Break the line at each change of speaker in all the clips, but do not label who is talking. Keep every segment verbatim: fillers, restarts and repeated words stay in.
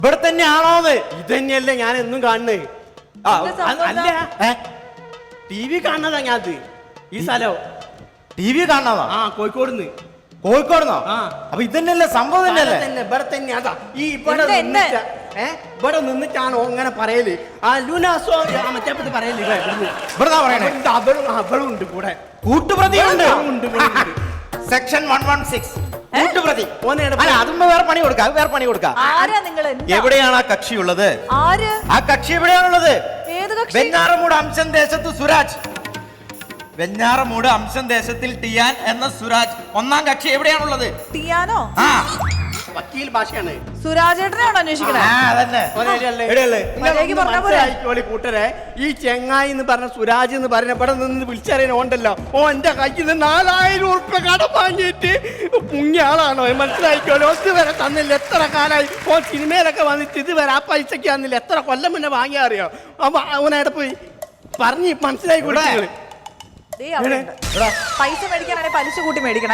ഇവിടെ തന്നെയാണോന്ന്?
ഇത് തന്നെയല്ലേ ഞാൻ എന്നും കാണുന്നത്. അല്ല ടി വി കാണുന്നതാ ഞാൻ. അത് ഈ സ്ഥലം
ടി വി കാണുന്നതാ?
ആ, കോഴിക്കോടുന്ന്.
കോഴിക്കോടുന്നോ?
ആ,
അപ്പൊ ഇതന്നെയല്ലേ സംഭവം? തന്നെയല്ലേ?
ഇവിടെ തന്നെ. അതാ ഈ ഇവിടെ നിന്നിട്ട് ഏ ഇവിടെ നിന്നിട്ടാണോ അങ്ങനെ പറയല്? ആ ലൂനാസോ മറ്റേ പറയല്.
ഇവിടെ പറയണേ
അവളും അവളും ഉണ്ട് കൂടെ,
കൂട്ടുപ്രതിയുണ്ട്.
സെക്ഷൻ വൺ വൺ സിക്സ് കൂട്ടുപ്രതി.
അതുമ്പോ വേറെ പണി കൊടുക്കാം, വേറെ പണി കൊടുക്കാം.
എവിടെയാണ് ആ കക്ഷിയുള്ളത്?
ആര് ആ കക്ഷി? എവിടെയാണുള്ളത്?
വെഞ്ഞാറമൂട് അംശം ദേശത്ത് സുരാജ്. വെഞ്ഞാറമൂട് അംശം ദേശത്തിൽ ടിയാൻ എന്ന സുരാജ് ഒന്നാം കക്ഷി എവിടെയാണുള്ളത്?
ടിയാനോ?
ആ,
വക്കീൽ ഭാഷയാണ്.
സുരാജേട്ടനെയാണോ അന്വേഷിക്കണേ?
കൂട്ടരെ, ഈ ചെങ്ങായി എന്ന് പറഞ്ഞ സുരാജ് എന്ന് പറഞ്ഞ ഇവിടെ നിന്ന് വിളിച്ചറിയാൻ ഓണ്ടല്ലോ. ഓ എന്റെ കയ്യിൽ നിന്ന് നാലായിരം ഉറുപ്പ കടം വാങ്ങിയിട്ട് മുങ്ങിയ ആളാണോ? മനസ്സിലായിക്കോലോ. ഇതുവരെ തന്നില്ല. എത്ര കാലായി ഓ സിനിമയിലൊക്കെ വന്നിട്ട് ഇതുവരെ ആ പൈസക്ക് തന്നില്ല. എത്ര കൊല്ലം മുന്നേ വാങ്ങിയാ അറിയോ? അപ്പൊ അവനവിടെ പോയി പറഞ്ഞ് മനസ്സിലായി കൂടെ.
പൈസ മേടിക്കാനാണെങ്കിൽ പലിശ കൂട്ടി മേടിക്കണേ.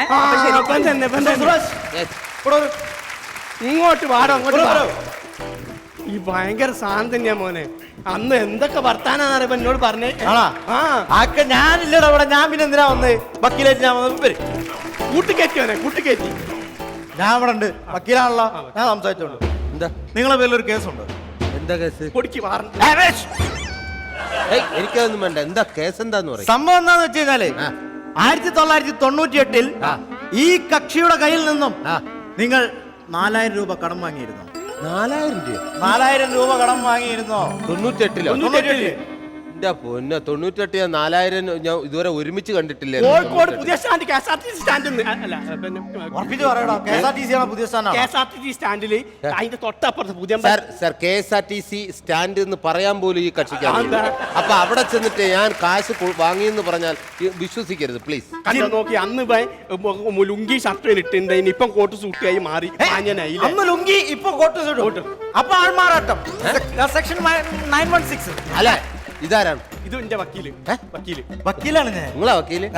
ഇങ്ങോട്ട് വാടോ, അങ്ങോട്ട് വാടോ. ഈ ഭയങ്കര സാധനം തന്നെയാ മോനെ. അന്ന് എന്തൊക്കെ വർത്താനാന്നറിയപ്പോ എന്നോട് പറഞ്ഞേ.
ആക്കെ ഞാനില്ലടാ ഇവിടെ. ഞാൻ പിന്നെ എന്തിനാ വന്ന്? വക്കീലായിട്ട് ഞാൻ വന്നത്.
കൂട്ടിക്കയറ്റി മോനെ, കൂട്ടിക്കയറ്റി.
ഞാൻ ഇവിടെ ഉണ്ട്, വക്കീലാണല്ലോ. ഞാൻ സംസാരിച്ചോണ്ട്.
എന്താ
നിങ്ങളെ പേരിൽ ഒരു കേസുണ്ട്.
എന്താ കേസ്?
പൊടിക്ക് മാറും.
എനിക്കതൊന്നും വേണ്ട. എന്താ കേസ്? എന്താന്ന് പറയും.
സംഭവം എന്താന്ന് വെച്ച് കഴിഞ്ഞാല് ആയിരത്തി തൊള്ളായിരത്തി തൊണ്ണൂറ്റി എട്ടിൽ ഈ കക്ഷിയുടെ കയ്യിൽ നിന്നും നിങ്ങൾ നാലായിരം രൂപ കടം വാങ്ങിയിരുന്നു.
നാലായിരം രൂപ
നാലായിരം രൂപ കടം വാങ്ങിയിരുന്നോ?
തൊണ്ണൂറ്റി എട്ടിലോ?
തൊണ്ണൂറ്റി
എന്റെ പൊന്നെ, തൊണ്ണൂറ്റെട്ട് നാലായിരം ഞാൻ ഇതുവരെ ഒരുമിച്ച് കണ്ടിട്ടില്ല.
കോഴിക്കോട് പുതിയ stand, K S R T C stand.
ഉറപ്പിച്ച് പറയണോ? K S R T C ആണ് പുതിയ stand.
K S R T C സ്റ്റാൻഡില് അതിന്റെ തൊട്ടപ്പുറത്ത് പുതിയ
sir, K S R T C stand എന്ന് പറയാൻ പോലും ഈ കക്ഷിക്ക് അപ്പൊ അവിടെ ചെന്നിട്ട് ഞാൻ കാശ് വാങ്ങിയെന്ന് പറഞ്ഞാൽ വിശ്വസിക്കരുത് പ്ലീസ്.
കണ്ടോ നോക്കി. അന്ന് ലുങ്കി ഷർട്ട് ഇട്ടുണ്ട്, ഇപ്പം കോട്ട് സൂട്ടിയായി മാറി.
അന്ന് ലുങ്കി, ഇപ്പൊ കോട്ട് സൂട്ട്. അപ്പൊ ആൾമാറാട്ടം. സെക്ഷൻ നയൻ വൺ സിക്സ്
അല്ല, ഇതാരാണ്?
ഇത് എന്റെ വക്കീല്. വക്കീല്
വക്കീലാണ് ഞാൻ.
നിങ്ങളാ വക്കീല്?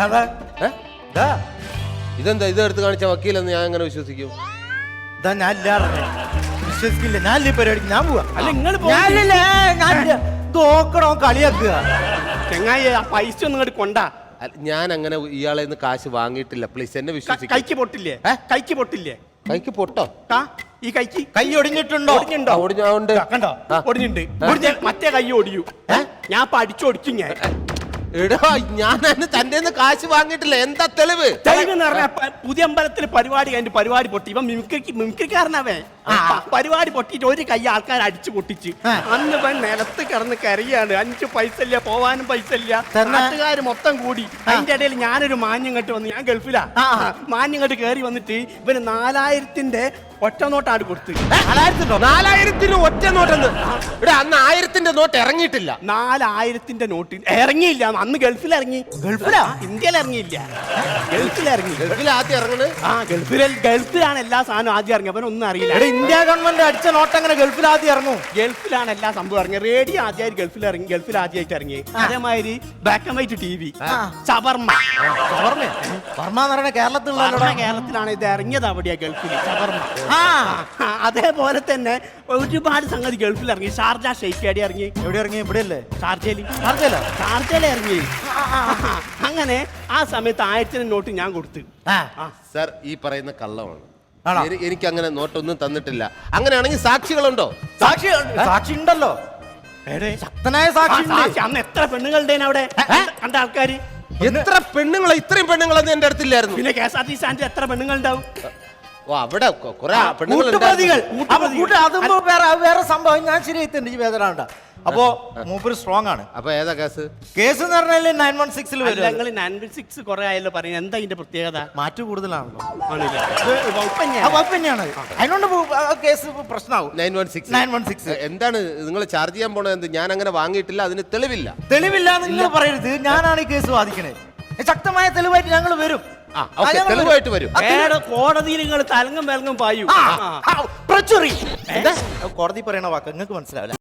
ഇതെന്താ ഇത് എടുത്ത് കാണിച്ച വക്കീലെന്ന് ഞാൻ എങ്ങനെ വിശ്വസിക്കും?
ഇതാ ഞാൻ വിശ്വസിക്കില്ല. ഞാൻ ഈ പരിപാടിക്ക് ഞാൻ പോവാ.
അല്ല നിങ്ങൾ
തോക്കണോ കളിയാക്കുക?
ചെങ്ങായി ആ പൈസ ഒന്നും ഇങ്ങോട്ട് കൊണ്ടാ.
ഞാൻ അങ്ങനെ ഇയാളെ നിന്ന് കാശ് വാങ്ങിയിട്ടില്ല. പ്ലീസ് എന്നെ വിശ്വസിക്കും.
കൈക്ക് പൊട്ടില്ലേ? കൈക്ക് പൊട്ടില്ലേ?
കൈക്ക് പൊട്ടോ?
ഈ കൈക്ക്
കൈ ഒടിഞ്ഞിട്ടുണ്ടോ?
ഒടിഞ്ഞിട്ടുണ്ടോ?
ഒടിഞ്ഞോണ്ട്
കണ്ടോ? ഒടിഞ്ഞിട്ടുണ്ട്. മറ്റേ കൈ ഒടിയൂ. ഞാൻ പഠിച്ചൊടിക്കും. ഞാൻ
എടാ, ഞാൻ തന്റെ കാശ് വാങ്ങിയിട്ടില്ല. എന്താ തെളിവ്?
തെളിവെന്ന് പറഞ്ഞ പുതിയ അമ്പലത്തിൽ പരിപാടി കഴിഞ്ഞിട്ട് പരിപാടി പൊട്ടി. ഇവൻ മിമിക്രി മിമിക്രിക്കാരനവേ. പരിപാടി പൊട്ടിയിട്ട് ഒരു കൈ ആൾക്കാർ അടിച്ചു പൊട്ടിച്ച്. അന്ന് ഇവൻ നിലത്ത് കിടന്ന് കരയാണ്. അഞ്ചു പൈസ ഇല്ല, പോവാനും പൈസ ഇല്ല. നാട്ടുകാർ മൊത്തം കൂടി. അതിന്റെ ഇടയിൽ ഞാനൊരു മാന്യം കെട്ട് വന്ന്, ഞാൻ ഗൾഫിലാ. മാന്യം കെട്ട് കയറി വന്നിട്ട് ഇവന് നാലായിരത്തിന്റെ ഒറ്റ നോട്ടാണ് കൊടുത്ത്.
നാലായിരത്തിന് ഒറ്റ നോട്ടെന്ന്? ഇവിടെ അന്ന് ആയിരത്തിന്റെ നോട്ട് ഇറങ്ങിയിട്ടില്ല.
നാലായിരത്തിന്റെ നോട്ട് ഇറങ്ങിയില്ല. അന്ന് ഗൾഫിൽ ഇറങ്ങി.
ഗൾഫിലാ?
ഇന്ത്യയിൽ ഇറങ്ങിയില്ല, ഗൾഫിൽ ഇറങ്ങി.
ഗൾഫിൽ ആദ്യം ഇറങ്ങണത്?
ആ, ഗൾഫിൽ ഗൾഫിലാണ് എല്ലാ സാധനവും ആദ്യം ഇറങ്ങി. അവനൊന്നും അറിയില്ല.
ഇന്ത്യ ഗവൺമെന്റ് അടിച്ച നോട്ട് അങ്ങനെ ഗൾഫിൽ ആദ്യം ഇറങ്ങും?
ഗൾഫിലാണ് എല്ലാ സംഭവം ഇറങ്ങി. റേഡിയോ ആദ്യമായിട്ട് ഗൾഫിൽ ഇറങ്ങി, ഗൾഫിൽ ആദ്യമായിട്ട് ഇറങ്ങി. അതേമാതിരി black and white T V, ഷവർമ്മ.
ഷവർമ്മ എന്ന് പറയുന്നത് കേരളത്തിലുള്ള
കേരളത്തിലാണ് ഇത് ഇറങ്ങിയത്. അവിടെയാ ഗൾഫിൽ ഷവർമ്മ. അതേപോലെ തന്നെ ഒരുപാട് സംഗതി ഗൾഫിൽ ഇറങ്ങി. ഷാർജ ഷെയ്ഖേടി ഇറങ്ങി.
എവിടെ ഇറങ്ങി? ഇവിടെ അല്ലേ?
ഷാർജയിൽ.
ഷാർജയില
ഷാർജയിൽ ഇറങ്ങി. അങ്ങനെ ആ സമയത്ത് ആയിരത്തിന് നോട്ട് ഞാൻ കൊടുത്തു.
സർ, ഈ പറയുന്ന കള്ളമാണ്. എനിക്ക് അങ്ങനെ നോട്ടൊന്നും തന്നിട്ടില്ല. അങ്ങനെയാണെങ്കിൽ സാക്ഷികളുണ്ടോ?
സാക്ഷി സാക്ഷി ഉണ്ടല്ലോ. ശക്തനായ സാക്ഷി.
അന്ന് എത്ര പെണ്ണുങ്ങളുടെ അവിടെ കണ്ട ആൾക്കാര്?
എത്ര പെണ്ണുങ്ങളെ? ഇത്രയും പെണ്ണുങ്ങളൊന്നും എന്റെ അടുത്തില്ലായിരുന്നു.
പിന്നെ K S R T C സ്റ്റാൻഡിൽ എത്ര പെണ്ണുങ്ങളുണ്ടാവും?
ഓ, അവിടെ കുറെ പെണ്ണുങ്ങൾ.
അതുമ്പോ വേറെ വേറെ സംഭവം ഞാൻ ശരിയായിട്ടുണ്ട്. ഈ വേദന അപ്പോ മൂപ്പര് സ്ട്രോങ് ആണ്.
അപ്പൊ ഏതാ കേസ്?
കേസ് എന്ന് പറഞ്ഞാൽ നയൻ വൺ സിക്സിൽ
ഞങ്ങൾ നയൻ വൺ സിക്സ് കുറെ ആയല്ലോ പറയുന്നത്. എന്താ ഇതിന്റെ പ്രത്യേകത?
മാറ്റു കൂടുതലാണല്ലോ.
തന്നെയാണ്.
അതിനോണ്ട് കേസ് പ്രശ്നമാവും.
Nine one six
nine one six
എന്താണ് നിങ്ങൾ ചാർജ് ചെയ്യാൻ പോണത്? എന്ത്? ഞാൻ അങ്ങനെ വാങ്ങിയിട്ടില്ല. അതിന് തെളിവില്ല.
തെളിവില്ല നിങ്ങൾ പറയരുത്. ഞാനാണ് ഈ കേസ് വാദിക്കണേ. ശക്തമായ തെളിവായിട്ട് ഞങ്ങൾ വരും.
തെളിവായിട്ട് വരും.
കോടതിയിൽ നിങ്ങൾ തലങ്ങും വിലങ്ങും പായൂ.
കോടതി പറയണ വാക്ക് നിങ്ങൾക്ക് മനസ്സിലാവില്ല.